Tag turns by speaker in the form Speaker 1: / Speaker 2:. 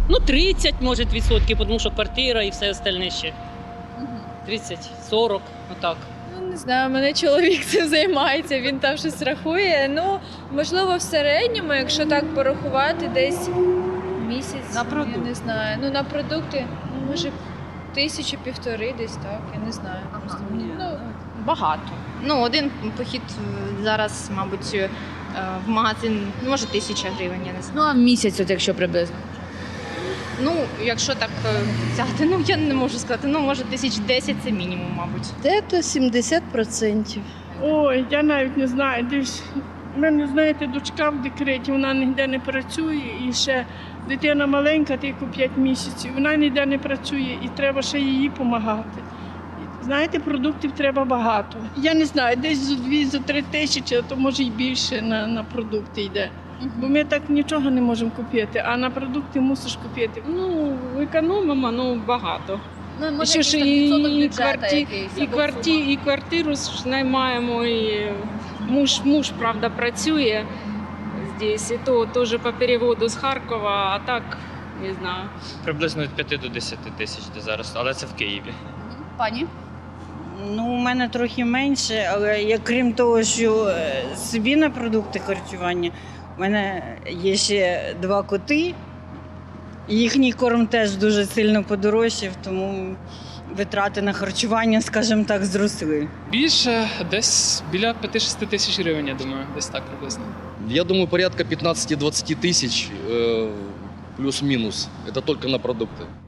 Speaker 1: Ну, 30, може, відсотків, тому що квартира і все остальне ще. 30, 40, отак.
Speaker 2: Ну, не знаю, мене чоловік цим займається, він там щось рахує. Ну, можливо, в середньому, якщо так порахувати, десь місяць,
Speaker 3: На продукти?
Speaker 2: я не знаю. Ну, на продукти, ну, може, 1000-1,5 десь так, я не знаю. Просто, ну,
Speaker 4: Багато. Ну, один похід зараз, мабуть, в магазин, може, 1000 гривень, я не знаю.
Speaker 5: Ну, а місяць, от якщо приблизно.
Speaker 4: Ну, якщо так взяти, ну, я не можу сказати, ну, може, 1010 це мінімум, мабуть.
Speaker 6: Дето 70%.
Speaker 7: Ой, я навіть не знаю. Десь в мене, знаєте, дочка в декреті, вона ніде не працює, і ще дитина маленька, тільки 5 місяців. Вона ніде не працює і треба ще їй допомагати. Знаєте, продуктів треба багато. Я не знаю, десь за 2-3 тисячі, а то може й більше на продукти йде. Бо ми так нічого не можемо купити, а на продукти мусиш купити.
Speaker 3: Ну, економимо, ну, багато.
Speaker 2: ну може,
Speaker 3: Ще ж
Speaker 2: якийсь там відсоток
Speaker 3: і,
Speaker 2: бюджету якийсь, або сума.
Speaker 3: і квартиру ж наймаємо, і муж, правда, працює здесь, і то теж по переводу з Харкова, а так, не знаю.
Speaker 8: Приблизно від 5 до 10 тисяч де зараз, але це в Києві.
Speaker 5: Пані?
Speaker 9: Ну, у мене трохи менше, але я, крім того, що собі на продукти харчування, у мене є ще 2 коти. Їхній корм теж дуже сильно подорожчав, тому витрати на харчування, скажімо так, зросли.
Speaker 10: Більше, десь біля 5-6 тисяч гривень, я думаю, десь так приблизно.
Speaker 11: Я думаю, порядка 15-20 тысяч плюс-минус. Это только на продукты.